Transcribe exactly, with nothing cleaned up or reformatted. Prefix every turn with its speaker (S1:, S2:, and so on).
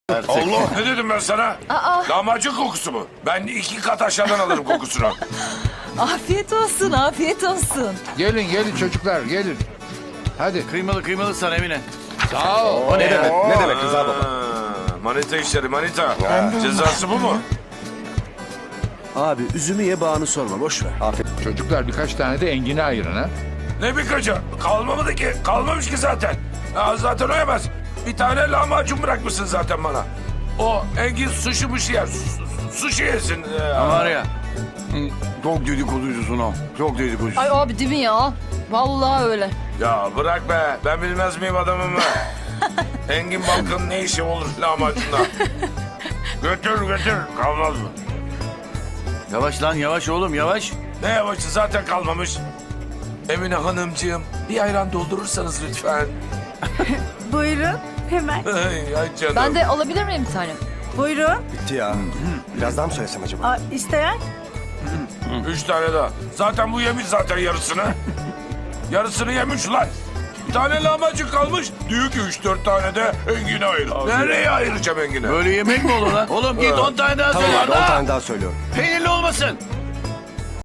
S1: Allah, ne dedim ben sana?
S2: Aa.
S1: Lahmacun kokusu mu? Ben iki kat aşağıdan alırım kokusunu.
S2: Afiyet olsun, afiyet olsun.
S3: Gelin gelin çocuklar gelin. Hadi.
S4: Kıymalı kıymalı sana Emine.
S3: Sağ ol.
S4: O ne demek?
S5: Ne demek Rıza baba?
S1: Ha, manita işleri manita. Cezası bu mu?
S5: Abi üzümü ye bağını sorma boş ver. Afiyet.
S3: Çocuklar birkaç tane de engine ayırın ha.
S1: Ne birkaçı? Kalmamadı ki. Kalmamış ki zaten. Ya zaten o yemez. Bir tane lahmacun bırakmışsın zaten bana. O Engin sushi muşi yer. Su- su- Sushi yesin. Ee,
S4: Var ya. Çok dedikoducusun o. Çok dedikoducusun.
S2: Ay abi değil mi ya? Vallahi öyle.
S1: Ya bırak be. Ben bilmez miyim adamımı? Engin Balkan'ın ne işi olur lahmacunda? Götür götür. Kalmaz mı?
S4: Yavaş lan yavaş oğlum yavaş.
S1: Ne yavaşı zaten kalmamış. Emine Hanımcığım bir ayran doldurursanız lütfen.
S6: Buyurun hemen.
S1: Ay, ay canım.
S2: Ben de alabilir miyim bir tane?
S6: Buyurun.
S5: Bitti ya. Biraz daha mı söylesem acaba?
S6: Aa, isteyen?
S1: Üç tane daha. Zaten bu yemiş zaten yarısını. Yarısını yemiş lan. Bir tane lahmacun kalmış. Diyor ki üç dört tane de Engin'e ayır. Nereye ayıracağım Engin'e?
S4: Böyle yemek mi olur lan? Oğlum git on tane daha
S5: Tamam
S4: söyle.
S5: abi on
S4: Daha.
S5: tane daha söylüyorum.
S4: Peynirli olmasın.